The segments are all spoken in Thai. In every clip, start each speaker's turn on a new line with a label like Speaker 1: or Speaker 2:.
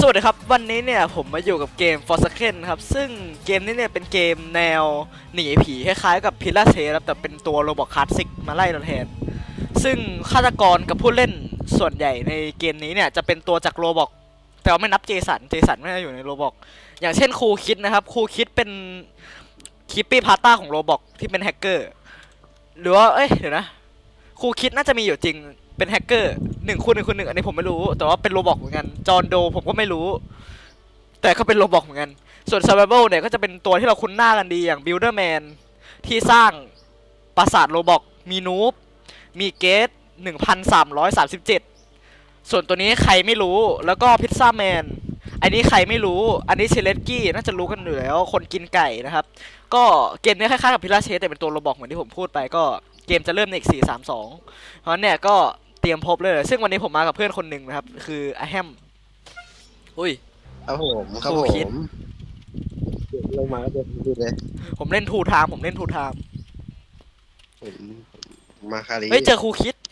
Speaker 1: วัสดีครับวันนี้เนี่ยผมมาอยู่กับเกม Forsaken ครับซึ่งเกมนี้เนี่ยเป็นเกมแนวหนีผีคล้ายๆกับ Pillar ครับแต่เป็นตัวโรบอทคลาสสิกมาไล่เราแทนซึ่งฆาตกรกับผู้เล่นส่วนใหญ่ในเกมนี้เนี่ยจะเป็นตัวจากโรบอทแต่ว่าไม่นับเจสันไม่ได้อยู่ในโรบอทอย่างเช่นครูคิดนะครับครูคิดเป็นคิปปี้พาต้าของโรบอทที่เป็นแฮกเกอร์หรือว่าเดี๋ยวนะครูคิดน่าจะมีอยู่จริงเป็นแฮกเกอร์1 คูณ 1 คูณ 1อันนี้ผมไม่รู้แต่ว่าเป็นโรบอทเหมือนกันจอห์นโดผมก็ไม่รู้แต่ก็เป็นโรบอทเหมือนกันส่วน Survival เนี่ยก็จะเป็นตัวที่เราคุ้นหน้ากันดีอย่าง Builderman ที่สร้างปราสาทโรบอทมีนูบมีเกต1337ส่วนตัวนี้ใครไม่รู้แล้วก็พิซซ่าแมนอันนี้ใครไม่รู้อันนี้เชเลสกี้น่าจะรู้กันอยู่แล้วคนกินไก่นะครับก็เกมนี้คล้ายๆกับพิลาเชสแต่เป็นตัวโรบอทเหมือนที่ผมพูดไปก็เกมจะเริ่มในอีก4-3-2เพราะเนี่ยก็เตรียมพบเลยซึ่งวันนี้ผมมากับเพื่อนคนหนึ่งนะครับคืออาแฮมอุ้ย
Speaker 2: ครับผมครับ
Speaker 1: ครู
Speaker 2: ผ
Speaker 1: คิด
Speaker 2: มลงมาก็เป็นดูเลย
Speaker 1: ผมเล่นทูไทม์ผมเล่นทูไทม์
Speaker 2: ผมมาคารี
Speaker 1: เฮ้ยเจอครูคิด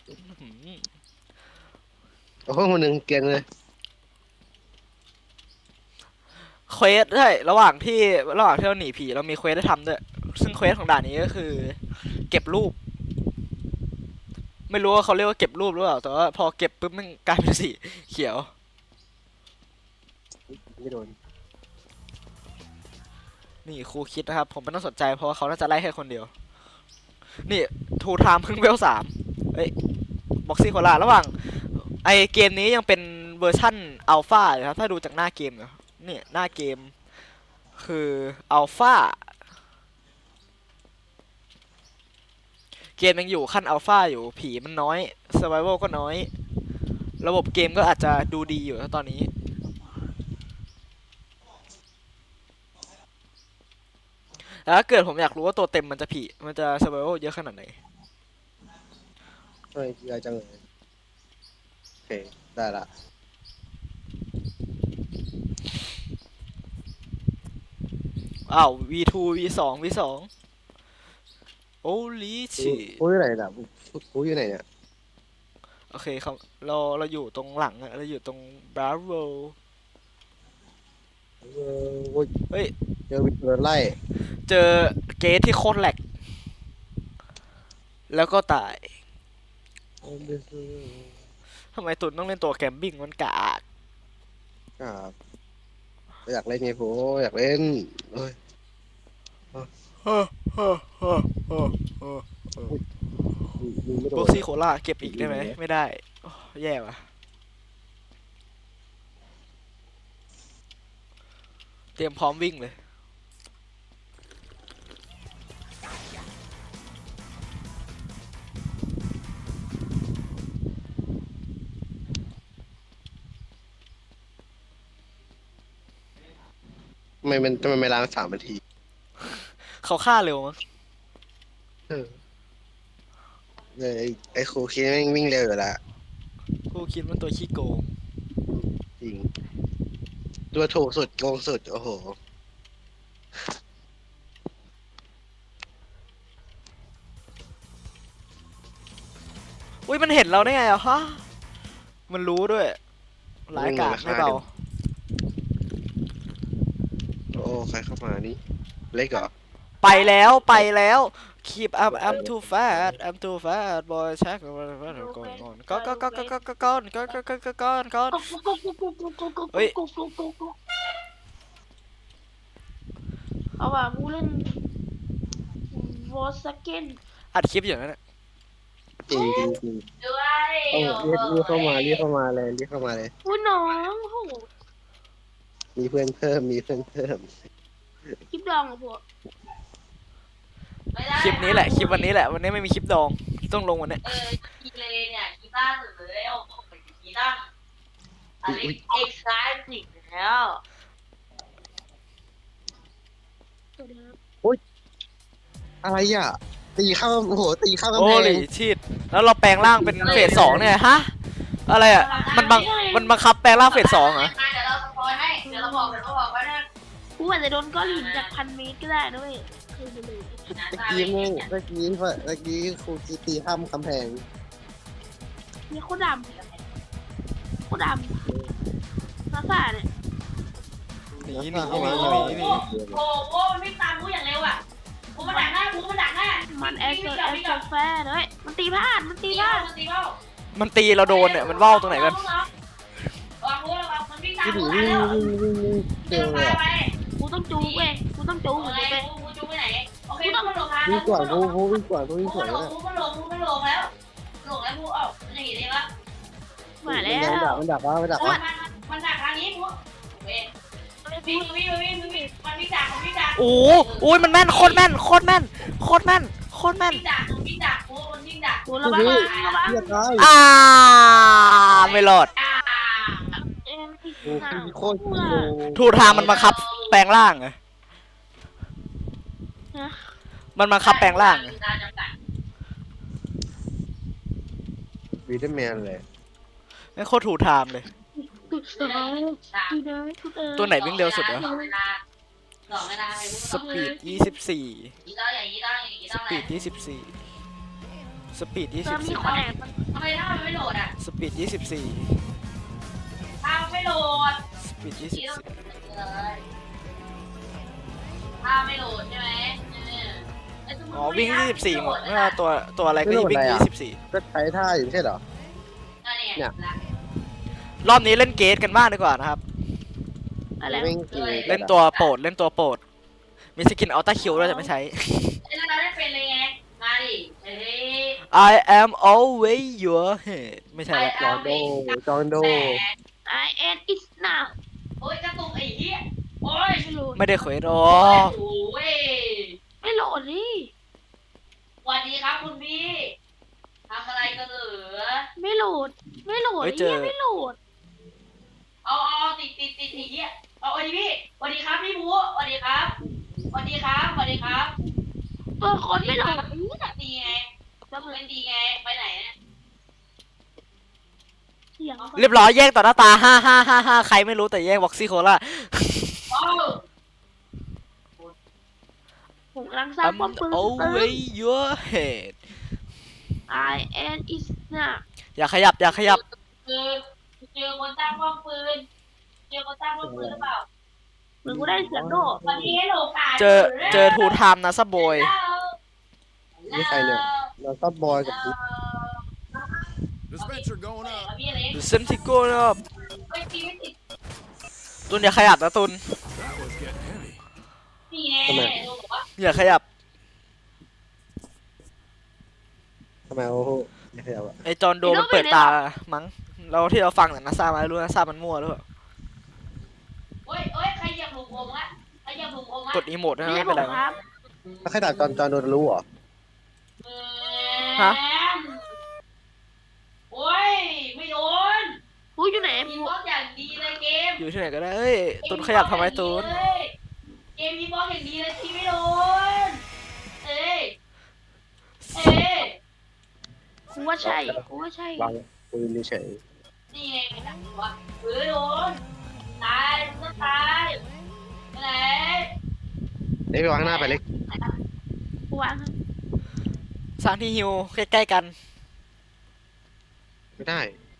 Speaker 2: โอ้โหคนหนึ่งเก่งเลย
Speaker 1: เควสใช่ระหว่างที่เราหนีผีเรามีเควสได้ทำด้วยซึ่งเควสของด่านนี้ก็คือเก็บรูปไม่รู้ว่าเขาเรียกว่าเก็บรูปหรือเปล่าแต่ว่าพอเก็บปุ๊บมันกลายเป็นสีเขียว
Speaker 2: ไม่โดน
Speaker 1: นี่ครูคิดนะครับผมไม่ต้องสนใจเพราะว่าเขาน่าจะไล่แค่คนเดียวนี่ทูไทม์เพิ่งเวล3เฮ้ยบ็อกซี่โคลาระหว่างไอเกมนี้ยังเป็นเวอร์ชั่นอัลฟาเลยครับถ้าดูจากหน้าเกมนะนี่หน้าเกมคืออัลฟาเกมยังอยู่ขั้นอัลฟาอยู่ผีมันน้อย Survival ก็น้อยระบบเกมก็อาจจะดูดีอยู่ตอนนี้แต่ถ้าเกิดผมอยากรู้ว่าตัวเต็มมันจะ Survival เยอะขนาดไหน
Speaker 2: เฮ้ยยายจังเลยโอเคได้ละ
Speaker 1: อ้าว V2 V2 V2 Holy
Speaker 2: กู
Speaker 1: shit
Speaker 2: กูอยู่ไหนล่ะกูอยู่ไหนเนี่ย
Speaker 1: โอเคครับเราอยู่ตรงหลังอะเราอยู่ตรง Bravo
Speaker 2: เออโอ้ย
Speaker 1: เฮ้ย
Speaker 2: เจอวินเทอร์ไล่
Speaker 1: เจอเกทที่โคตรแหลกแล้วก็ตายทำไมตุนต้องเล่นตัวแกมบิ้งมันกาก
Speaker 2: ครับอยากเล่นไงผมอยากเล่นเฮ้ยยิงไม่โด
Speaker 1: บ็อก
Speaker 2: น
Speaker 1: ซี่โคล่าเก็บอีกได้ไหมไม่ได้โอ้แย่ว่ะเตรียมพร้อมวิ่งเลย
Speaker 2: ทำไมไม่ล้าง3 นาที
Speaker 1: เขาฆ่าเร็วมั้ง
Speaker 2: เออเลยไอ้ครูคิดแม่งวิ่งเร็วอยู่ละ
Speaker 1: กูคิดมันตัวขี้โกง
Speaker 2: จริงตัวถูกสุดโกงสุดโอ้โห
Speaker 1: อุ้ยมันเห็นเราได้ไงอะฮะมันรู้ด้วยร้ายกาจไม่เบา
Speaker 2: โอ้ใครเข้ามานี่เล็กเหรอ
Speaker 1: ไปแล้ว keep up I'm too fat I'm too fat boy check ก่อนเฮ้ย
Speaker 3: เอาว่ะกูเล่นวอสเกน
Speaker 1: อัดคลิปอยู่นั่นแหละ
Speaker 2: จริงจริงจริง
Speaker 3: ด้วย
Speaker 2: ต้องเรียกเข้ามาเลย
Speaker 3: อุ้ยน้องโห
Speaker 2: มีเพื่อนเพิ่ม
Speaker 3: คลิปดองอ่ะพวก
Speaker 1: คลิปนี้แหละคลิปวันนี้แหละวันนี้ไม่มีคลิปดองต้องลงวันนี้
Speaker 4: กีเลเนี่ยกีตาร์สุดเลยเอาของไปกีตาร์อะไรเอ็กซ์ไซส์แล้ว
Speaker 2: อะไรอ่ะตีเข้าโอ้โหตีเข้ากำ
Speaker 1: โอ้
Speaker 2: แพ
Speaker 1: ลิ
Speaker 2: ง
Speaker 1: ชิตแล้วเราแปลงร่างเป็นเฟส2เนี่ยฮะอะไรอ่ะมันบังคับแปลงร่างเฟส2เหรอ
Speaker 4: เดี๋ยวเราสปอยให้เดี๋ยวเราบอกว่าเนี่ย
Speaker 3: กูอาจจะโดนก้อนหินจาก1,000 เมตรก็ได้ด้วยคือไปเลย
Speaker 2: เมื่อกี้ครูกีตีข้ามกำแพง
Speaker 3: นี่โคตรดำโคตรดำซาซาเนี่ย
Speaker 1: หนี
Speaker 2: หนี
Speaker 4: โอ้โหโอ้โหมันวิ่งตามกูอย่างเร็วอ่ะกูมันดักหน้ากูมันดักหน้า
Speaker 3: มันแอสโซแฟร์เลยมันตีพลาดมันตี
Speaker 4: ตี
Speaker 3: พลา
Speaker 4: เบ้า
Speaker 3: ด
Speaker 4: มันตีเบ้า
Speaker 1: มันตีเราโดนเนี่ยมันว่าวตรงไหนกัน
Speaker 4: วางกูระวังมันวิ่งตาม
Speaker 2: วิ่ง
Speaker 4: กู
Speaker 2: วิ่
Speaker 4: แล้ว
Speaker 2: งเจ
Speaker 4: เดิ
Speaker 2: อน เลย
Speaker 4: ไป
Speaker 3: กูต้องจูเว้ยกูต้องจู
Speaker 4: โอ
Speaker 3: กู
Speaker 4: เค
Speaker 3: ไป
Speaker 4: กูจูไปไหนโอเคกูมันหลงทาง
Speaker 2: วิ่งกว่ากูวิ่งกว่ากูวิ่ง
Speaker 4: กู
Speaker 2: กว่า
Speaker 4: มันหลงกูมันหลงกูมันหลงแล้วหลงแล้วกูออกมันจะเห็นเองละ
Speaker 3: มาแล้ว
Speaker 2: มันดักวะมันดัก
Speaker 4: มั
Speaker 2: วะ
Speaker 4: มันดักทางนี้กูเว้ยวิ่งมันวิ่งดักมันวิ่งดัก
Speaker 1: โอ้โอ้ยมันแม่นโคตรแม่นโคตรแม่นโคตรแม่นโคตรแม่น
Speaker 4: วิ่งดักกูมันวิ่งดัก
Speaker 3: กูระวังระวัง
Speaker 2: เฮียตาย
Speaker 1: ไม่รอด
Speaker 3: เอ็มอีก
Speaker 2: โอ้
Speaker 3: หน้า
Speaker 2: โคตรโล
Speaker 1: ทูทางมันบังคับแปลงร่างไงมันบังคับแปลงร่างไง
Speaker 2: วีดแมนเลย
Speaker 1: ไม่โคตรถูกทางเลย ตัวไหนวิ่งเร็วสุดวะ สปีด24
Speaker 4: ยีต้องอย่างยีต้องอย่างยี
Speaker 1: ส
Speaker 4: ต้อง
Speaker 1: ปีด24สปีด
Speaker 3: เติมมีคนแอบ
Speaker 4: ทำไมถ้ามันไม่โหลดอ่ะ
Speaker 1: 24สปีด24
Speaker 4: ถ้าไม่โหลด
Speaker 1: สปีด
Speaker 4: ยีต้อง
Speaker 1: 24
Speaker 4: เลยถ้าไม่โหลดใช่ไหม
Speaker 1: อ๋อวิ่ง24หมดไม่ว่าตัวอะไรก็วิ่ง24
Speaker 2: ก็ใช้ท่าอยู่ไม่ใช่เหรอ
Speaker 1: รอบนี้เล่นเกตกันบ้างดีกว่านะครับ
Speaker 3: อะไร
Speaker 2: วิ่งกี่
Speaker 1: เล่นตัวโปรดเล่นตัวโปรดมีสกินอัลต้าคิวด้วยแต่ไม่ใช้
Speaker 4: แล้วเราได้เป็นเลยไง มาดิเฮ้ย
Speaker 1: I am always your head ไม่ใช่ละ
Speaker 2: จอนโดจอนโด
Speaker 3: ไอเอ็นอิสนา
Speaker 4: โอ้ยกระตุกไอ้เหี้ยโอ้ย
Speaker 3: ไม่โหลด
Speaker 1: ไม่ได้เควสอ๋อ
Speaker 4: โอ้ย
Speaker 3: ไม่โหลดดิ
Speaker 4: สวัสดีครับคุณพี่ทำอะไรกันเหรอ
Speaker 3: ไม่โหลดไม่โหลดไม่โหลด
Speaker 4: เอาติดไอ้เหี้ยเอาสวัสดีพี่สวัสดีครับพี่บูสวัสดีครับสวัสดีครับสวัสดีครับ
Speaker 3: ตัวคนไม่โหลด
Speaker 4: ดีไงเป็นดีไงไปไหนเนี่ย
Speaker 3: เสียง
Speaker 1: เรียบร้อยแย่งต่อหน้าตา5 ใครไม่รู้แต่แย่งวอกซี่โคล่า
Speaker 4: ว้าว
Speaker 3: ผมกำลังสร้าง
Speaker 1: I'm
Speaker 3: ป้อมปืน
Speaker 1: always your head
Speaker 3: ไอเอ็นอิสนา
Speaker 1: อย่าขยับอย่าขยับ
Speaker 4: เจอคนตั้งป้อมปืนเจอคนตั้งป้อมปืนหรือเปล่า
Speaker 3: เหมือนกูได้เสียงโด
Speaker 4: วันนี้ให้โลกา
Speaker 1: เจอทูไทม์นะซับบอย
Speaker 2: นี่ใครเนี่ยเราซับบอยกับ
Speaker 5: Dispenser going up.
Speaker 4: พี่เล็ก
Speaker 1: ดูเซมติโก้นะครับ
Speaker 4: ไม่ตีไม่ติด
Speaker 1: ตุนอย่าขยับนะตุน
Speaker 5: That was getting heavy.
Speaker 4: นี่ไงโลบอกว่า
Speaker 1: อย่าขยับ
Speaker 2: ทำไมโอ้โหไม่ใช่เอาอะ
Speaker 1: ไอจอนโดมันเปิดตามั้งเราที่เราฟังแต่นาซามารู้นาซามันมั่วหรือเปล่า
Speaker 4: โอ้ยใครเหยียบหลุมผมอะใครเหยียบหลุมผมอะ
Speaker 1: กดอีโมดนะ
Speaker 3: นี่
Speaker 1: ไม่
Speaker 3: ผ
Speaker 1: เป็น
Speaker 3: ม
Speaker 1: ไร
Speaker 3: ครับ
Speaker 2: ถ้าใครด่าจอนโดนรู้เหรอ
Speaker 1: ฮะ
Speaker 4: โอ้ยไม่โดน
Speaker 3: กูอยู่ไหน
Speaker 4: มีบล็อกอย่างดีเลยเกม
Speaker 1: อยู่ที่ไหนก็ได้เอ้ยตุนขยับทำไมตุน
Speaker 4: เกมมีบล็อกอย่างดีเลยที่ไม่โดนเอ้ยเอ้ย
Speaker 3: กูว่าใช่กูว่าใช่
Speaker 2: วางปืนเฉย
Speaker 4: นี่ไงเป็นแบบว่าโดนตายก็ตายไปไหน
Speaker 2: เล็กไปวางข้างหน้าไปเล็ก
Speaker 3: กูวาง
Speaker 1: สร้างที่ฮิวใกล้ๆกัน
Speaker 2: ไม่ได้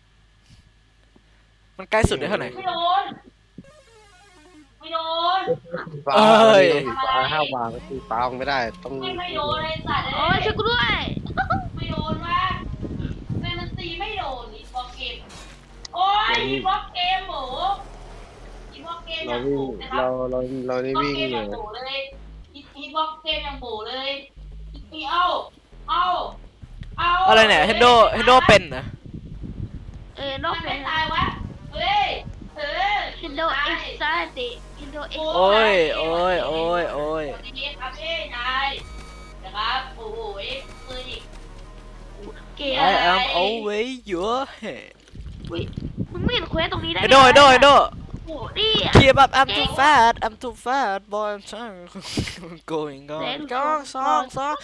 Speaker 1: มันใกล้สุดได้เท่าไหร่
Speaker 4: ไม่โดนไม่โดน
Speaker 2: ฟ้า
Speaker 1: เอ้ย
Speaker 2: ฟ้าห้ามวางก็คือฟ้าวางไม่ได้ต้อง
Speaker 4: ไม่โดนเลยสัตว์
Speaker 3: โอ้ยช่วยกูด้วย
Speaker 4: ไม่โดนว่ามันตีไม่โดนอีบล็อกเกมโอ้ยอีบล็อกเกมโหอีบล็อกเกมอ
Speaker 2: เรา
Speaker 4: ย่าง
Speaker 2: วิ่
Speaker 4: โห
Speaker 2: ง
Speaker 4: นะครับ
Speaker 2: เรานี่
Speaker 4: บล็อก
Speaker 2: วิ่ง
Speaker 4: เกมอ
Speaker 2: เล
Speaker 4: ย่าง
Speaker 2: ย
Speaker 4: โหเลยอีบล็อกเกมอย่างโหเลยอีเอา
Speaker 1: อะไรเนี่ยเฮนโดเป็นนะ
Speaker 3: นอก
Speaker 4: มัน
Speaker 3: เป็
Speaker 4: ไม่
Speaker 3: น
Speaker 4: ตายวะเฮ้ย
Speaker 3: เฮนโดเอ็กซ์ซาติเฮนโดเอ็กซ์
Speaker 1: โอ้ยโอ้ยโอ้ยโอ้ย
Speaker 4: สวัสดีครับพี่นายนะครับโอ้โหปืนอีก
Speaker 3: เกม
Speaker 1: I am always your head
Speaker 3: มึงไม่เห็นเควสตรงนี้ได้
Speaker 1: เฮนโด
Speaker 3: โอ้ดิ
Speaker 1: Keep up I'm too fat boy I'm trying going on สอง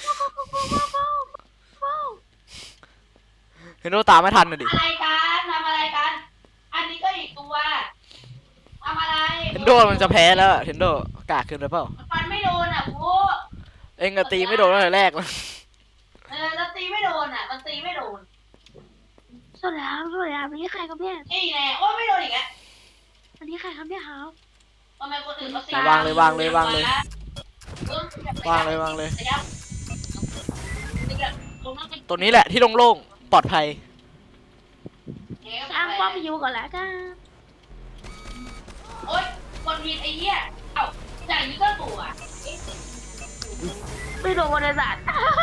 Speaker 1: เฮนโดตามไม่ทันน่ะดิ
Speaker 4: อะไรกันทำอะไรกัน อันนี้ก็อีกตัวทำอะไร
Speaker 1: เฮนโดมันจะแพ้แล้วเฮนโดกากขึ้นหรือเปล่า
Speaker 4: ฟันไม่โดนอ่ะกู
Speaker 1: เอ็งก็ตีไม่โดนตั้งแต่แรกแล้ว
Speaker 4: แล้วตีไม่โดนอ่ะมันตีไม่โดน
Speaker 3: สวัสดีครับนี่ใครครับเนี่ย
Speaker 4: นี่แน่โอ้ไม่โดนอีกแล้ว
Speaker 3: อันนี้ใครครับเนี่ยครับ
Speaker 4: ทำไมคนอื่นเขา
Speaker 1: วางเลยวางเลยวางเลย วางเลยวางเลย ตัวนี้แหละที่โล่งๆปลอดภัย
Speaker 3: สร้างป้อมยูก่อนแล้วกัน
Speaker 4: โอ๊ยคนผิดไอ้เหี้ยเอ้าอย่างนี้ก็ตัว
Speaker 3: ไม่โดนบริษัท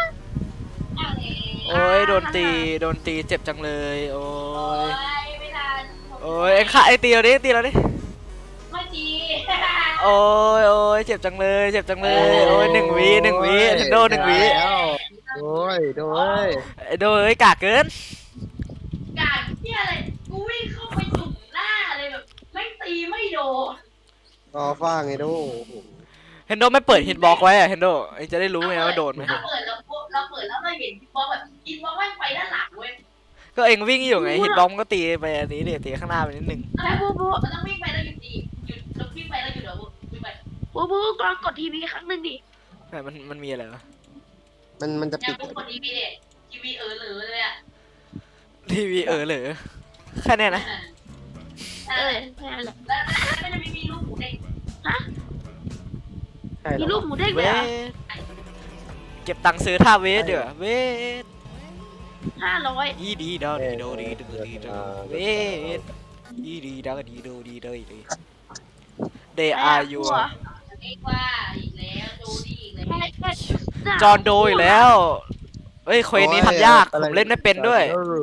Speaker 1: โอ้ยโดนตีเจ็บจังเลยโอ้
Speaker 4: โอ้
Speaker 1: ย
Speaker 4: ยไม่ทัน
Speaker 1: โอ้ยไอ้ตีเราดิตีเราดิ
Speaker 4: ไม่ดี
Speaker 1: โอ้ยเจ็บจังเลยเจ็บจังเลยโอ้ย1 วิเทนโด1 วิ
Speaker 2: แล้วโอ้ยโดย
Speaker 1: ไอ้โดยกากเกิน
Speaker 4: การเหี้ยอะไรกูวิ่งเข้าไปจุ่มหน้าเลยแบบไม่ตีไม่โดน
Speaker 2: รอฟ้างไงดู
Speaker 1: เฮนโดไม่เปิดฮิตบล็อกไว้อะเฮนโดไอ้จะได้รู้ไงว่าโดนไหม
Speaker 4: เราเปิดแล้วเราเห็นอินบ็อกแบบอินบ็อกแม่งไปด้านหลังเว้ย
Speaker 1: ก็เองวิ่งอยู่ไงฮิตบล็อกมันก็ตีไปอันนี้เดี๋ยวตีข้างหน้าไปนิดนึง
Speaker 3: แล้วบูบู
Speaker 4: มันต้องวิ่งไปแล้วหยุดดีหยุดแล้ววิ่งไปแล้วหยุดเดี๋ยววิ่งไป
Speaker 3: บูกลองกดทีวีครั้งหนึ่งดิ
Speaker 1: แต่มันมีอะไรวะ
Speaker 2: มันจะ
Speaker 4: อย่า
Speaker 2: ปิด
Speaker 4: พูดคนนี้ไม่ได้ทีวีเหลือเลยอ่ะ
Speaker 1: ทีวีเหรอแค่เนี้ยนะ
Speaker 3: แค่นั้นแหละ
Speaker 4: แล้วก็จะมีลูกหมูเด็ก
Speaker 3: ฮะ
Speaker 2: ใช่หร
Speaker 3: มี
Speaker 2: อ
Speaker 3: ลูกหมูเด้ง
Speaker 1: เว
Speaker 3: เลยเหรอ
Speaker 1: ทเก็บตังค์ซื้อท่าเวทเดี๋ยวเวท
Speaker 3: 500
Speaker 1: อีดีดอดีโดดีโดดีโดเวทอีดีดอดีโดดีโดดี They are you
Speaker 4: เอ็กว่าอีกแล้วดูดีอีกแล้ว
Speaker 1: จอห์นโดอีกแล้วเฮ้ยเควสนี้ทำยากผมเล่นไม่เป็นด้วย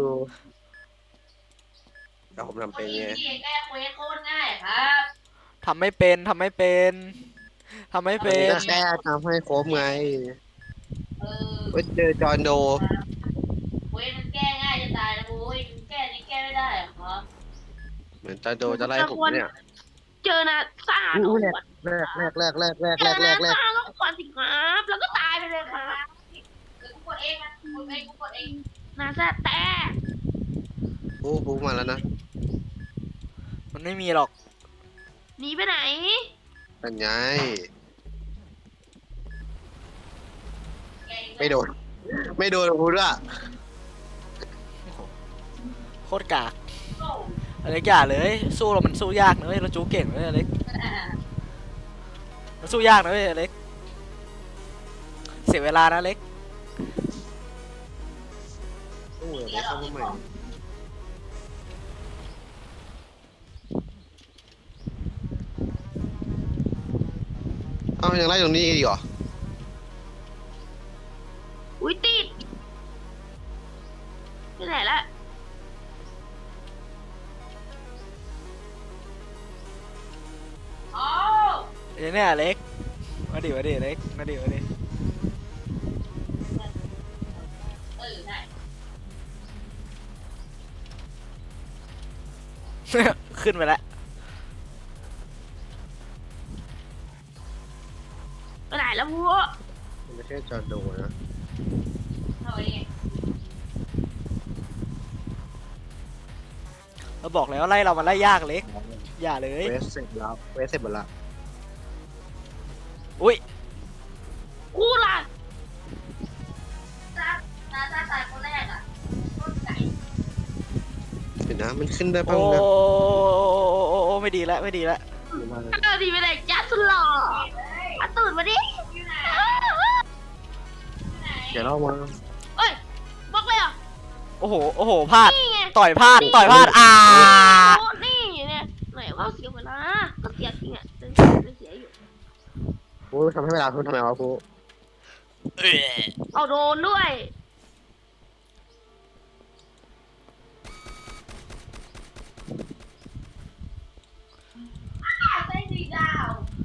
Speaker 2: แต่ผมทำ
Speaker 4: ค
Speaker 2: เป็น น
Speaker 4: นี้
Speaker 2: ไง
Speaker 4: ที่แก้เควสโคตรง่ายครับ
Speaker 1: ทำไม่เป็นทำไม่เป็น
Speaker 2: ก็แค่ทำให้ครบไง
Speaker 4: เออ
Speaker 2: เว้ยเจอจอห์นโด
Speaker 4: เควสมันแก้ง่ายจะตายนะโว้ยแก้นี่แก้ไม่ได้เหรอครับ
Speaker 2: เหมือนจอห์นโดจะไล่ผมเนี่ย
Speaker 3: เจอนะซ่า
Speaker 2: อู้
Speaker 3: ก่อน
Speaker 2: แรก
Speaker 3: เจอนะซ่าแล้วก่อนสิครับแล้วก็ตายไปเลยครับ
Speaker 4: หรือกูกดเองนะกูกดเอง
Speaker 3: นาซ่าแต่
Speaker 2: บูมาแล้วนะ
Speaker 1: มันไม่มีหรอก
Speaker 3: หนีไปไหน
Speaker 2: เป็นไง
Speaker 4: แก้เอง
Speaker 2: ไม่โดนพูดว่า
Speaker 1: โคตรกากอะไรอย่าเลยสู้เรามันสู้ยากนะเว้ยเราจูเก่งเลยอเล็กมันสู้ยากนะเว้ยอเล็กเสียเวลานะอเล็ก
Speaker 2: ตู้เลยไม่เข้ามาใหม่ยังไล่ตรงนี้อีกเหรอ
Speaker 3: อุ้ยติดไปไหนละ
Speaker 4: อ๋อ
Speaker 1: เดี๋ยวเนี่ยอเล็กมาดิอเล็กมาดิ
Speaker 4: ได้
Speaker 1: ขึ้นไปแล้ว
Speaker 3: ไปไหนแล้วบู
Speaker 2: มันไม่ใช่จอห์นโดนะ
Speaker 4: เอาไว้ไง
Speaker 1: เราบอกแล้วไล่เรามันไล่ยากอเล็กอย่าเลย
Speaker 2: เวสเสร็จแล้วเวสเสร็จหมดละ
Speaker 1: อุ้ย
Speaker 3: กูล่ะ
Speaker 4: ตาตายคนแรกอ่ะต้นไก่
Speaker 2: เห็นนะมันขึ้นได้บ้า
Speaker 1: โอ้
Speaker 2: งนะ
Speaker 1: ไม่ดีแล้ว
Speaker 3: ดีไปไหนจ้าสุดหล่อมาตื่นมาดิ
Speaker 4: อยู่ไหน
Speaker 2: เดี๋ยวเรามา
Speaker 3: เอ้ยบล็อกเลยเหรอ
Speaker 1: โอ้โหพลาด
Speaker 3: นี่ไง
Speaker 1: ต่อยพลาด
Speaker 3: โ
Speaker 1: อ่า
Speaker 3: อ้นี่เนี่ยไหนว่าเสียเวลาก็เสียจริงอ่ะเสียอยู่
Speaker 2: พูทำให้เวลาพูทำไมวะพู
Speaker 3: เอาโดนด้วย
Speaker 4: ได้ดีดาว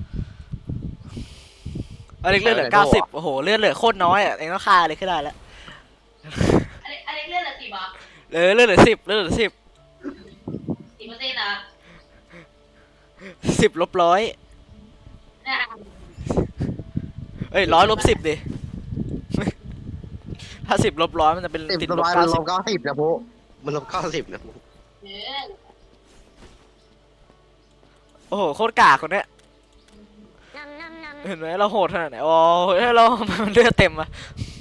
Speaker 1: อเล็กเลือดเหลือ90โอ้โหเลือดเหลือโคตรน้อยอ่ะเองต้องฆ่าเลยขึ้นได้แล้ว
Speaker 4: อันนี้เลื่อนละ10อ่ะ
Speaker 1: เลือดเหลือ10เลือดเหลือ10
Speaker 4: 10%นะ
Speaker 1: 10 ลบ 100
Speaker 4: เนี่ย
Speaker 1: เอ้ย100 ลบ 10ดิ ถ้า 10 ลบ 100มันจะเป็น
Speaker 2: 10
Speaker 1: ติด
Speaker 2: ล
Speaker 1: ล
Speaker 2: บบ มันลบ
Speaker 1: 90
Speaker 2: 90นะพูมันลบ90นะพู
Speaker 4: เออ
Speaker 1: โอ้โหโคตรกากคนเนี้ยเห็นไหมเราโหดขนาดไหนโอ้ยเรามันเลือดเต็มอะ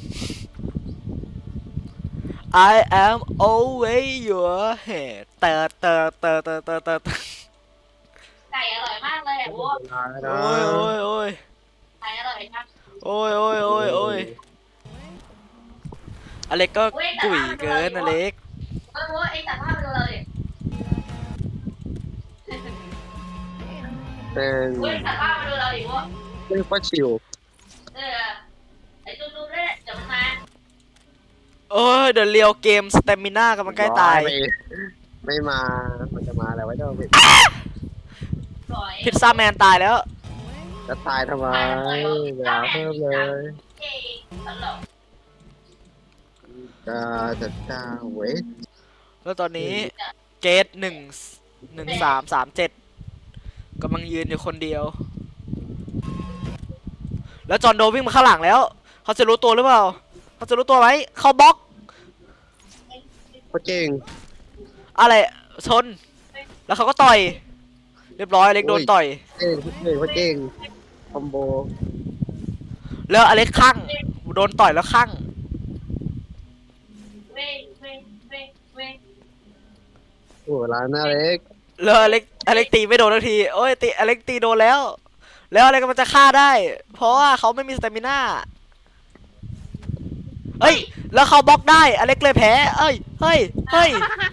Speaker 1: I am always your head เตอ
Speaker 4: ไก่อร่อยมากเลยอ่ะ
Speaker 2: ตายแล้ว
Speaker 1: โอ้ยโอ้ยโอ้ย
Speaker 4: ใครอร่อยครับ
Speaker 1: โอ้ยโอ้ยโอ้ยโอ้ยอเล็กก็กุ๋ยเกินอเล็ก
Speaker 4: โอ้ยไอ้ตัดภาพไปดูเราดิ
Speaker 2: เป็น
Speaker 4: โอ้ยตัดภาพไปดูเราดิวะ
Speaker 2: เรียกว่าชิว
Speaker 4: ไอ้ตุ้มๆเนี่ยเดี๋ยวมันมา
Speaker 1: โอ้ยเดี๋ยวเลียวเกมสเตมิน่ากำลังใกล้ตาย
Speaker 2: ไม่มามันจะมาแล้วไว้เจ้า
Speaker 4: บ่อย
Speaker 1: พิซซ่าแมนตายแล้ว
Speaker 2: จะตายทำไมอย่าเพิ่มเลย
Speaker 4: เอ๊ะตลก
Speaker 2: จะเวท
Speaker 1: แล้วตอนนี้เกต11337กำลังยืนอยู่คนเดียว แล้วจอห์นโดวิ่งมาข้างหลังแล้ว เขาจะรู้ตัวหรือเปล่า เขาจะรู้ตัวไหมเขาบล็อก
Speaker 2: โคตรเก่ง
Speaker 1: อะไรชน แล้วเขาก็ต่อย เรียบร้อยอเล็กโดนต่อย
Speaker 2: เก่งโคตรเก่งคอมโบ
Speaker 1: แล้วอเล็กข้างโดนต่อยแล้วข้าง
Speaker 4: เว้ยเว้ยเว้ยเว้ย
Speaker 2: โอ้ร้านน่าเล็ก
Speaker 1: แล้วอเล็กตีไม่โดนทันที โอ้ยตีอเล็กตีโดนแล้ว แล้วอเล็กมันจะฆ่าได้ เพราะว่าเขาไม่มีสเตมิน่าเอ้ย แล้วเขาบล็อกได้อเล็กเลยแพ้ เอ้ย เฮ้ย เฮ้ย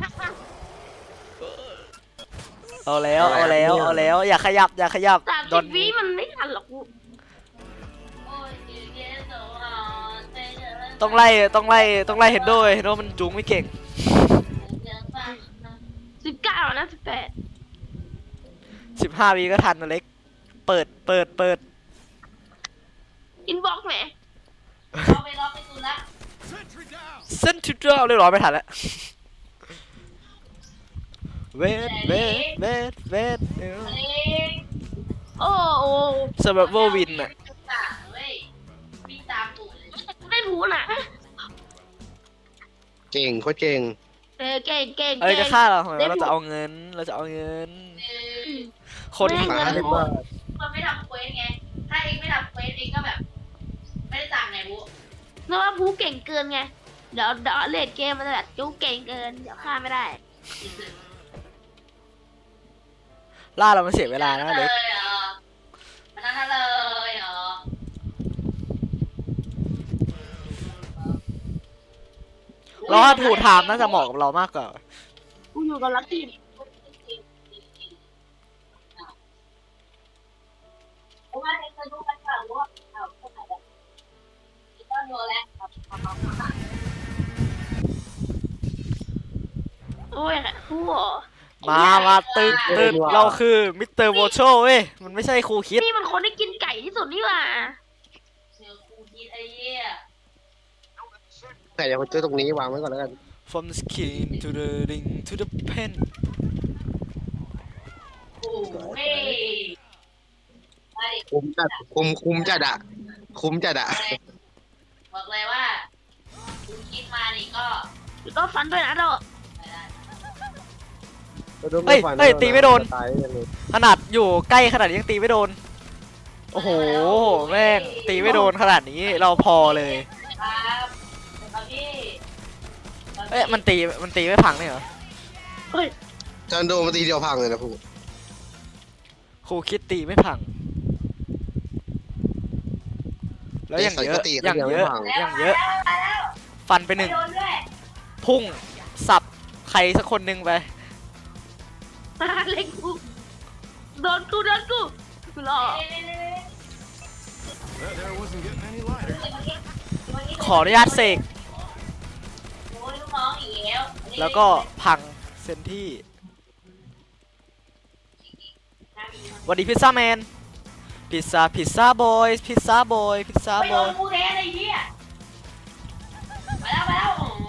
Speaker 1: เอาแล้ว เอาแล้ว เอาแล้ว อย่าขยับ อย่าขยับ
Speaker 3: 30 วิมันไม่ทันหรอกกู
Speaker 4: โอ้ยเดี๋ยวเดี๋ยวตัวอ่อนเดี๋ยวเดี๋ยว
Speaker 1: ต้องไล่ เห็นด้วยเห็นว่ามันจูงไม่เก่ง
Speaker 4: เดี๋ยวฟัง
Speaker 3: 19 นะ
Speaker 1: 15 วิก็ทันอเล็ก เปิด
Speaker 3: 18 อินบ็อกซ์แหม
Speaker 4: เอาไปล็อกไปตูนละ
Speaker 5: Sentry down.
Speaker 1: เส้นทิวเดอร์เรียบร้อยไม่ทันแล้ว เวท
Speaker 4: เอ้ย
Speaker 3: โอ้โอ้
Speaker 1: เซอร์ไวเวอร์วินอะ
Speaker 4: เว้ยวิ่งตามตูดเลย
Speaker 3: ไม่รู้น่ะ
Speaker 2: เก่งโคตรเก่ง
Speaker 3: เก่งเก่ง
Speaker 1: อะไร
Speaker 3: เก่
Speaker 1: จะ
Speaker 3: ง
Speaker 1: ฆ่าเราทำไมเราจะเอาเงิน
Speaker 4: เออ
Speaker 1: คน
Speaker 3: ไม่
Speaker 1: หา
Speaker 3: เงิน
Speaker 2: เรียกว่า
Speaker 4: มันไม่ทำเควสไง ถ้าเองไม่ทำเควสเองก็แบบ ไม่ได้สั่งไงบุ๊
Speaker 3: เพราะว่าผู้เก่งเกินไง เดี๋ยวเลดเกมมันจะแบบจู้เก่งเกิน เดี๋ยวฆ่าไม่ได้
Speaker 1: ล่าเรามันเสียเวลานะอเล็ก
Speaker 4: เลยเหรอมันนั่นเลยเหรอ
Speaker 1: เราว่าถูกถามน่าจะเหมาะกับเรามากกว่า
Speaker 3: กูอยู่กับลักกี้
Speaker 4: เพราะว่าเองเคยดูกันเปล่าว่าเอาคนไหนแบบก็โยนแล้วครับ
Speaker 3: โอ้ยผู้เหรอ
Speaker 1: มาตึกเราคือมิสเตอร์โวโชเว้ย มันไม่ใช่ครูคิด
Speaker 3: นี่มันคนที่กินไก่ที่สุดนี่หว่า
Speaker 4: เจอครูคิดไอ้เหี้ย
Speaker 2: แต่เดี๋ยวคนเจอตรงนี้วางไว้ก่อนแล้วกัน
Speaker 1: from the skin to the ring to the pen
Speaker 4: โอ้เฮ้ยมาดิ
Speaker 2: คุมจัดคุมจัดอะคุมจัดอะ
Speaker 4: บอกเลยว่าครูคิดมานี่ก็
Speaker 3: แล้วก็ฟันด้วยนะเรา
Speaker 4: ไม่ได้
Speaker 1: เฮ้ยตีไม่โดน
Speaker 2: ตายยังไง
Speaker 1: ขนาดอยู่ใกล้ขนาดนี้ยังตีไม่โดน โอ้โห แม่งตีไม่โดนขนาดนี้เราพอเลย
Speaker 4: ครับพี่
Speaker 1: เอ๊ะมันตีไม่พังเลยเหรอ
Speaker 3: เฮ้ย
Speaker 2: จอนโดมาตีเดียวพังเลยนะพู
Speaker 1: ครูคิดตีไม่พัง แล้วอย่างเยอะ อย่างเยอะ อย่างเยอะ ฟันไปหนึ่ง
Speaker 4: โดนด้วย
Speaker 1: พุ่งสับใครสักคนหนึ่งไป
Speaker 3: เล็กกูโดนกูกูรอ
Speaker 5: That there wasn't getting any lighter.
Speaker 1: ขออนุญาตเสก
Speaker 4: โอ้ยลูกน้องอีกแล้ว
Speaker 1: แล้วก็พังเซนที่สวัสดีพิซซ่าแมน พิซซ่าบอยพิซซ่าบอยพิซซ่า
Speaker 4: ไม่
Speaker 1: บ
Speaker 4: โด
Speaker 1: อน ย
Speaker 4: กูแทนไอ้เหี้ยมาแล้ว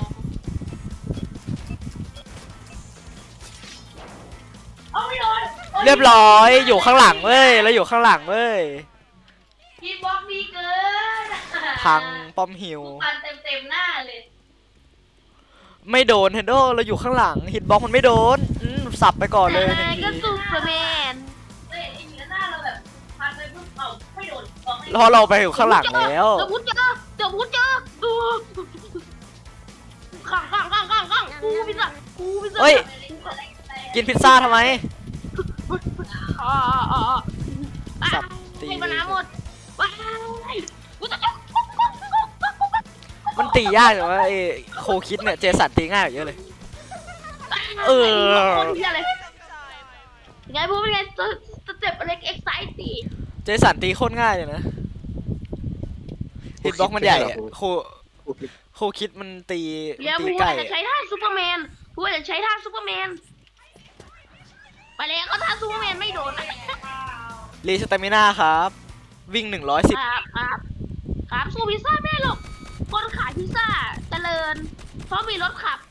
Speaker 4: เอาไม่โดน
Speaker 1: เรียบร้อยอยู่ข้างหลังเว้ยแล้วอยู่ข้างหลังเว้ย
Speaker 4: พี่บล็อกดีเกิน
Speaker 1: พังป้อมหิว
Speaker 4: ฟันเต็มหน้าเลย
Speaker 1: ไม่โดนเฮนโดเราอยู่ข้างหลังฮิตบ็อกมันไม่โดนสับไปก่อนเลยหนึ่ง
Speaker 3: ก็
Speaker 1: ที
Speaker 3: ซูเปอร์แมน
Speaker 4: เฮ้ยไอ้เหี้ยหน้าเราแบบพันไปปุ๊บเอ้าไม่โดนบล็อกไม่
Speaker 1: แล้วเราไปอยู่ข้างหลังแล้ว
Speaker 3: เดี๋ยวพูดเจอดูข้างกูพิซซ่า
Speaker 1: เฮ้ย กินพิซซ่าทำไม
Speaker 3: อ๋อ
Speaker 1: ตี
Speaker 3: ให้มาน้ำหมดว้ายกูจะ
Speaker 1: มันตียากแต่ว่าไอ้โคคิดเนี่ยเจสันตีง่ายกว่าเยอะเลย เออ
Speaker 3: คนเหี้ยเลยเป็นไงพูดเป็นไงสเต็ปเล็กเอ็กไซตี
Speaker 1: เจสันตีโคตรง่ายเลยนะฮิตบ็อกมันใหญ่อะโคคิดมันตี
Speaker 3: เดี๋ยว
Speaker 1: ตี
Speaker 3: พูด
Speaker 1: ใกล้
Speaker 3: จะใช้ท่าซูเปอร์แมนพูดจะใช้ท่าซูเปอร์แมนไปแล้วก็ท่าซูเปอร์แมนไม่โดนนะ
Speaker 1: รีสเตมิน่าครับ วิ่ง110
Speaker 3: ครับสู้พิซซ่าไม่ได้หรอกคนขายพิซซ่าเจริญเพราะมีรถขับ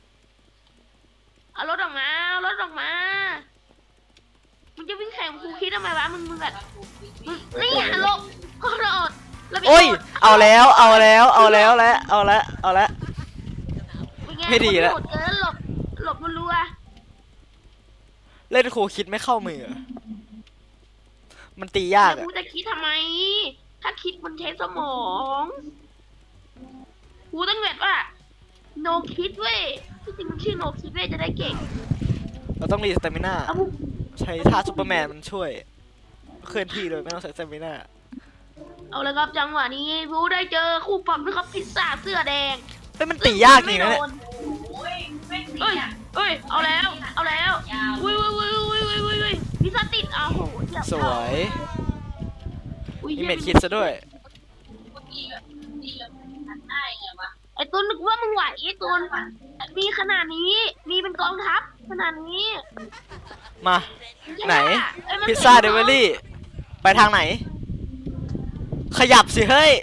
Speaker 3: เอารถออกมาเอารถออกมามึงจะวิ่งแข่งกับครูคิดทำไมวะมึงแบบมึงนี่อ่ะลบก็โดดแล้ว
Speaker 1: โอ้ย เอาแล้วและเอาละ ไม่ดีแล้ว
Speaker 3: โหดเกินหลบรัว
Speaker 1: เล่นโคคิดไม่เข้ามือ มันตี
Speaker 3: ๆ
Speaker 1: ยาก
Speaker 3: แล้ว
Speaker 1: อะ
Speaker 3: กูจะคิดทำไม ถ้าคิดมันใช้สมองกูต้องแบบว่า no คิดเว้ยที่จริงมันชื่อ no คิดเว้ยจะได้เก่ง
Speaker 1: เราต้องรีสเตมิน่า
Speaker 3: เอาพวก
Speaker 1: ใช้ท่าซูเปอร์แมนมันช่วย เคลื่อนที่โดยไม่ต้องใช้สเตมิน่า
Speaker 3: เอาเลยครับจังหวะนี้บูได้เจอคู่ปรับนะครับพิซซ่าเสื้อแดง
Speaker 1: เฮ้ยมันตียากจริงนะเนี่ย
Speaker 4: โอ้ยไม่ตี
Speaker 3: เอ้ย
Speaker 4: อ่ะ
Speaker 3: เอ้ยเอาแล้วอุ้ยพิซซ่าติดอ้าวโหเหี้ย
Speaker 1: สวย
Speaker 3: อุ้ย
Speaker 1: มี
Speaker 3: หี้ย
Speaker 1: เม็ดคิดซะด้วย
Speaker 4: ตีแบบหันหน้ายังไงวะ
Speaker 3: ไอ้ตุนนึกว่ามึงไหวไอ้ตุนมีขนาดนี้ มีเป็นกองทัพขนาดนี้
Speaker 1: มา ไหน
Speaker 3: เอ้ยมัน
Speaker 1: พิซซ่าเดลิเวอรี่ ไปทางไหน ขยับสิเฮ้ย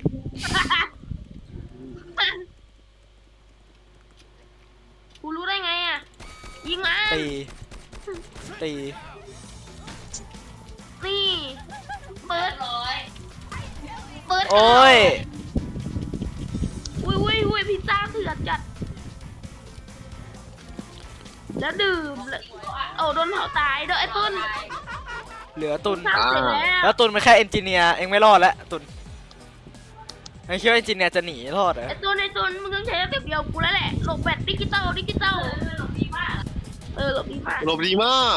Speaker 3: กูรู้ได้ไงอ่ะ ยิงมา
Speaker 1: ตี ตี
Speaker 3: นี่เปิ
Speaker 4: เปิ
Speaker 3: ด
Speaker 4: ดร้อย
Speaker 1: โอ้ย
Speaker 3: อุ้ยพิซซ่าเถื่อนจัด แล้วดื่มเลยโอ้โดนเผาตายเด้อไอ้ตุน
Speaker 1: เหลือตุน
Speaker 3: ทำเสร็จแล้
Speaker 1: แล้ว วตุนเป็นแค่เอนจิเนียร์เองไม่รอดแล้วตุนไอ้คิดว่าเอนจิเนียร์จะหนีรอดเหรอ
Speaker 3: ไอ้ตุนมึงต้องใช้สเต็ปเดียวกูแล้วแหละหลบแบบดิจิตอล
Speaker 4: หลบดีมาก
Speaker 3: หลบดีมาก
Speaker 2: หลบดีมาก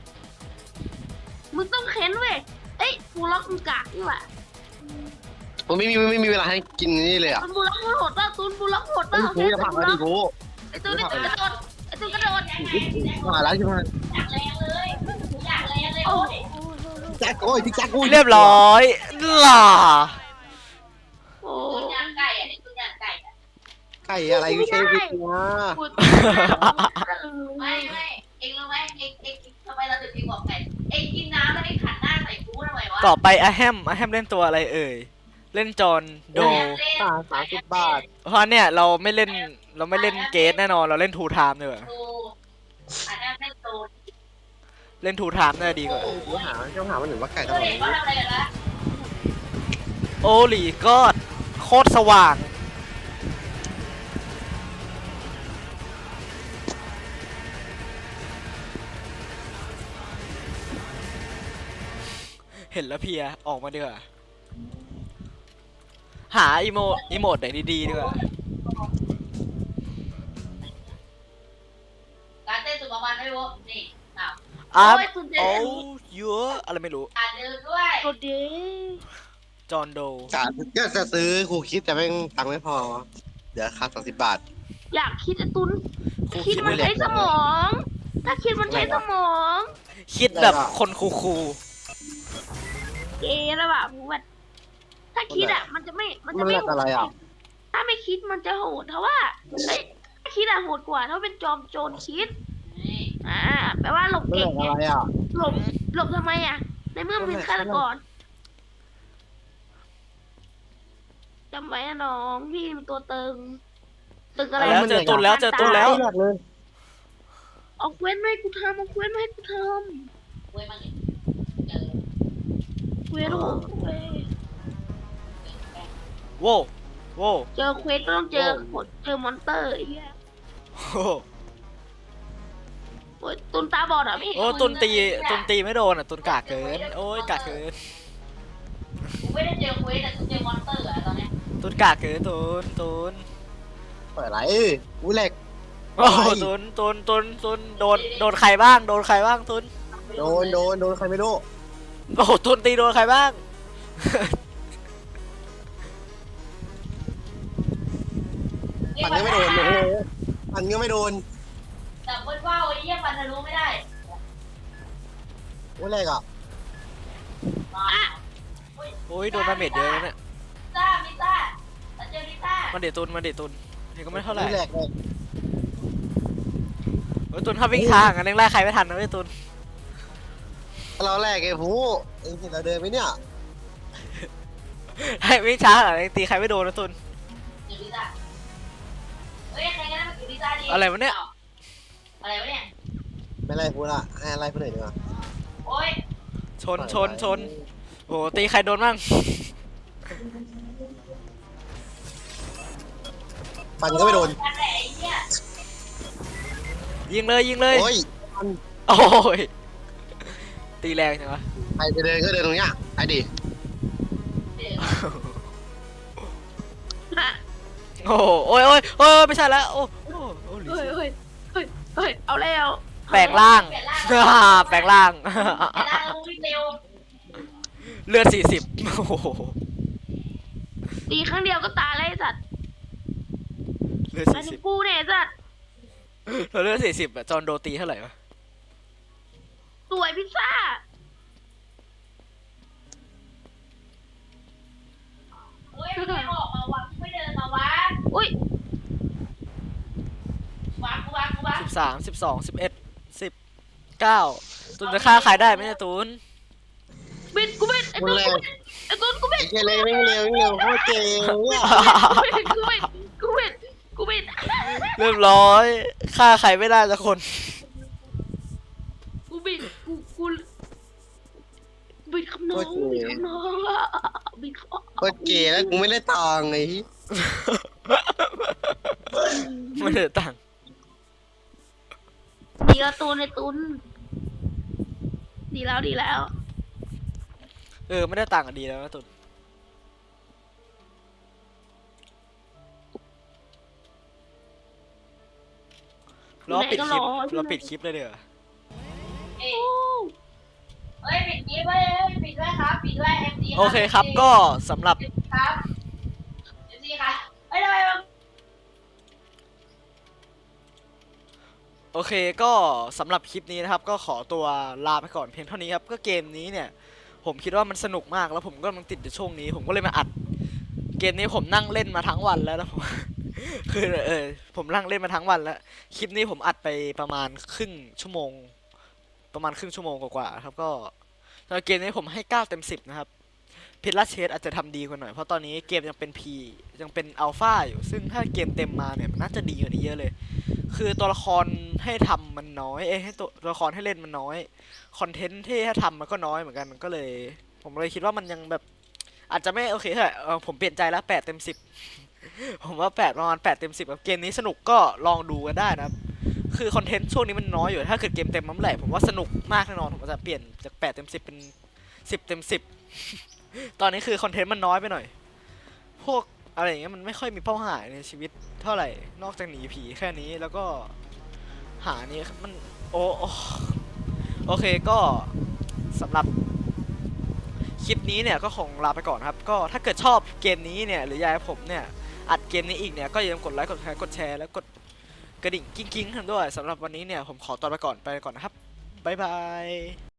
Speaker 3: มึงต้องเค้นเว้ยเอ้ยกูล็อกมึงกากนี่หว่า
Speaker 2: ผมไม่มีเวลาให้กินนี่เลยอ่ะ
Speaker 3: ตุนบูล็อกมึงโหดป่ะตุนบูล็อกโหด
Speaker 2: ไอ้
Speaker 3: ป่ะ
Speaker 2: กูจะพังแล้วดิกู
Speaker 3: ไอ้ตุนกระโดดไอ้ตุนกระโดด
Speaker 2: มาแล้วใช่ไหม
Speaker 4: อยากแรงเลยอยากแรงเลย
Speaker 3: โอ้
Speaker 4: โอ้ย
Speaker 2: แจ็คโอ้ยพี่แจ็คโอ้ย
Speaker 1: เรียบร้อยล่ะ
Speaker 3: โอ้
Speaker 4: ตุนย่างไก่อ่ะนี่ตุนย่างไก่อ่ะ
Speaker 2: ไก่อะไรไม่ใช่พี่วะ
Speaker 3: กู
Speaker 4: ไม่เองรู้ไหมเองทำไมเราถึงเองบอกไก่เองกินน้ำแล้วเองขันหน้าใส่กูทำไมวะ
Speaker 1: ต่อไปอะแฮมเล่นตัวอะไรเอ่ย เล่นจอห์นโด
Speaker 2: 30 บาท
Speaker 1: เพราะเนี่ยเราไม่เล่นเกตแน่นอนเราเล่นทูไทม์ดีกว่า
Speaker 4: โตอันนั้นไม่โต
Speaker 1: เล่นทูไทม์น่าจะดีกว่า
Speaker 2: กูหามันหนึ่งว่าไก่
Speaker 4: โต
Speaker 2: ตลอด
Speaker 4: เด็กเขาทำอะไรกันละ
Speaker 1: โอ้หลีกอดโคตรสว่าง เห็นแล้วเพลียออกมาดีกว่าหาอีโมดไหนดีๆดีกว่า
Speaker 4: การเต้นสุดประมาณไม่รู้นี่อ้าว
Speaker 1: อัพ
Speaker 3: โอ้ยสุดเด็
Speaker 1: โอ้
Speaker 3: ด
Speaker 1: เยอะอะไรไม่รู้
Speaker 4: อ่านลืมด้วย
Speaker 3: สุดเด็ด
Speaker 1: จอห์นโด
Speaker 2: ก็จะซื้อกูคิดแต่แม่งตังค์ไม่พอ เดี๋ยวค่า30 บาท
Speaker 3: อยากคิดไอ้ตุน
Speaker 1: ครู
Speaker 3: คิด
Speaker 1: คิด
Speaker 3: มัน
Speaker 1: ไม่เล็
Speaker 3: ใช้
Speaker 1: ก
Speaker 3: สมอง ถ้าคิดมันใช้สมอง
Speaker 1: คิดแบบคนคู
Speaker 3: เกย์แล้วแบบแบบถ้าคิดอ่ะ มันจะไม่ มัน
Speaker 2: มั
Speaker 3: จะ
Speaker 2: น
Speaker 3: ไม่
Speaker 2: เรียกอะไรอ่ะ
Speaker 3: ถ้าไม่คิดมันจะโหดเพราะว่าเอ้ยถ้าคิดอะโหดกว่าถ้าเป็นจอมโจรคิด
Speaker 4: นี่
Speaker 3: แปลว่าหลบ
Speaker 2: มัน
Speaker 3: เก่
Speaker 2: เรี
Speaker 3: ง
Speaker 2: ยก
Speaker 3: ไง
Speaker 2: อะไรอ่ะ
Speaker 3: หลบทำไมอ่ะ ในเมื่อมึงเป็นฆาตกรจำไว้นะน้องพี่เป็นตัวตึง ตึง
Speaker 1: ๆ
Speaker 3: อะไร
Speaker 1: แล้วเจอตุนแล้วเจอตุนแล้ว
Speaker 2: ไม่เรียกเลย
Speaker 3: เอาเควสมาให้กูทำเอาเควสมาให้กูท
Speaker 4: เว้ยมันเจอ
Speaker 3: ำเควสโอ้โหเว้ย
Speaker 1: โว้โว้
Speaker 3: เจอเควสก็ต้องเจอเจอมอนเตอร์ไอ้เหี้ย
Speaker 1: โอ้
Speaker 3: โอ้ยตุนตาบอดเหรอพี่
Speaker 1: โอ้ตุนตีไม่โดนอ่ะตุนกากเกินโอ้ยกากเกิน
Speaker 4: กูไม่ได้เจอเควสแต่กูเจอมอนสเตอร์อะตอนเนี้ย
Speaker 1: ตุนกากเกินตุน
Speaker 2: เปิดอะไรกูแหลก
Speaker 1: โอ้ตุนโดนใครบ้างตุน
Speaker 2: โดนใครไม่รู้
Speaker 1: โอ้ตุนตีโดนใครบ้าง
Speaker 2: ปั่นก็ไม่โดนโอ้โหปั่นก็ไม่โดน
Speaker 4: แต่เบิ้ลว่าวไอ้เหี้ยปันทะลุไม่ได้
Speaker 2: โอ้แรกอ่ะ
Speaker 4: มา
Speaker 1: โอ้ยโดนดาเมจเยอะนะเนี่ย
Speaker 4: มิซ่าเราเจอมิซ่า
Speaker 1: มาเดตุนนี่ก็ไม่เท่าไหร่
Speaker 2: แรกเลย
Speaker 1: โอ้ยตุนถ้าวิ่งช้าอย่างนั้นยังไล่ใครไม่ทันนะเว้ยตุน
Speaker 2: เราแรกไอ้ผู้เองเห็นเราเดินไหมเนี่ย
Speaker 1: ให้วิ่งช้าอย่างนั้นยังตีใครไม่โดนนะตุน
Speaker 4: เจอมิซ่าเฮ้ยใครกันนะมาเจอมิซ่าดิ
Speaker 1: อะไรวะเนี่ย
Speaker 4: อะไรวะเนี่ย
Speaker 2: ไม่ไรผู้ละให้อะไรผู้หน่อยดีกว่า
Speaker 4: โอ้ย
Speaker 1: ชนโอ้ตีใครโดนบ้าง
Speaker 2: ปั่นก็ไม่โดน
Speaker 4: กันแหละไอ้เหี้ย
Speaker 1: ยิงเลย
Speaker 2: โอ้ยปั่น
Speaker 1: โอ้ยตีแรงจังวะ
Speaker 2: ใครจะเดินก็เดินตรงเนี้ยไอ้ดิ
Speaker 1: โอ้ยไม่ใช่แล้วโอ้หลี
Speaker 3: เฮ้ยเอาแล้ว
Speaker 1: แปลงร่าง แปลงร่าง
Speaker 4: แต่ล่างแล้ววิ่งเร็ว
Speaker 1: เลือด40โอ้โห
Speaker 3: ตีครั้งเดียวก็ตายแล้วไอ้สัตว์
Speaker 1: เลือด
Speaker 3: อันนี้กูเนี่ยไอ้สัตว์
Speaker 1: 40เราเลือด40อะจอห์นโดตีเท่าไหร่วะ
Speaker 3: สวยพิซซ่า
Speaker 4: โอ้ยไม่ออกมาวะไม่เดินมาวะ
Speaker 3: อุ้ยว
Speaker 4: างกู
Speaker 1: 13 12 11 10 9ตุนจะฆ่าใครได้ไหมเนี่ยตุน
Speaker 3: บิดกูบิดไอ้
Speaker 2: คน
Speaker 3: ตุ้น
Speaker 2: แรก
Speaker 3: ไอ้ตุ้นกูบิ
Speaker 2: ไอ้
Speaker 3: ด
Speaker 2: เจเลยวิ่งเร็วโคตรเจ๋งเนี่ย
Speaker 3: กูบิด
Speaker 1: เรียบร้อยฆ่าใครไม่ได้สักคน
Speaker 3: กูบิดคำน้องบิด
Speaker 2: โคตรเจ๋แล้วกูไม่ได้ตังค์ไอ้
Speaker 1: ไม่เหลือตังค์
Speaker 3: ดีแล้วตูนไอ้ตุนดีแล้ว
Speaker 1: ไม่ได้ตังค์อะดีแล้วนะตุนเราปิดคลิปเลยเดี๋ยวา
Speaker 4: เอ้ยปิดนี้ไว้ปิดด้วยครับปิดด้วย FD
Speaker 1: โอเคครับก็สำหรับ
Speaker 4: ครับ FD ครับเอ้ยทำไมมัน
Speaker 1: โอเคก็สำหรับคลิปนี้นะครับ ก็ขอตัวลาไปก่อนเพียงเท่านี้ครับก็เกมนี้เนี่ยผมคิดว่ามันสนุกมากแล้วผมก็กำลังติดในช่วงนี้ผมก็เลยมาอัดเกมนี้ผมนั่งเล่นมาทั้งวันแล้วนะผม คือผมนั่งเล่นมาทั้งวันแล้วคลิปนี้ผมอัดไปประมาณครึ่งชั่วโมงกว่าๆครับก็สำหรับเกมนี้ผมให้9เต็ม10นะครับพิลล่าเชดอาจจะทำดีกว่าหน่อยเพราะตอนนี้เกมยังเป็น P ยังเป็นอัลฟาอยู่ซึ่งถ้าเกมเต็มมาเนี่ยมันน่าจะดีกว่านี้เยอะเลยคือตัวละครให้ทำมันน้อยให้ตัวละครให้เล่นมันน้อยคอนเทนต์ที่ให้ทำมันก็น้อยเหมือนกันก็เลย ผมเลยคิดว่ามันยังแบบอาจจะไม่โอเคเท่าไหร่ผมเปลี่ยนใจแล้ว8เต็ม10 ผมว่า8ประมาณ8เต็ม10ครับเกมนี้สนุกก็ลองดูกันได้นะครับคือคอนเทนต์ช่วงนี้มันน้อยอยู่ถ้าเกิดเกมเต็มมันเมื่อไหร่ผมว่าสนุกมากแน่นอนผมจะเปลี่ยนจาก8เต็ม10เป็น10เต็ม10 ตอนนี้คือคอนเทนต์มันน้อยไปหน่อยพวกอะไรอย่างเงี้ยมันไม่ค่อยมีเป้าหมายในชีวิตเท่าไหร่นอกจากหนีผีแค่นี้แล้วก็หานี่มันโอเคก็สำหรับคลิปนี้เนี่ยก็คงลาไปก่อนครับก็ถ้าเกิดชอบเกมนี้เนี่ยหรืออยากให้ผมเนี่ยอัดเกมนี้อีกเนี่ยก็อย่าลืมกดไลค์กดแชร์แล้วกดกระดิ่งกิ้งๆกันด้วยสำหรับวันนี้เนี่ยผมขอตัวไปก่อนนะครับบ๊ายบาย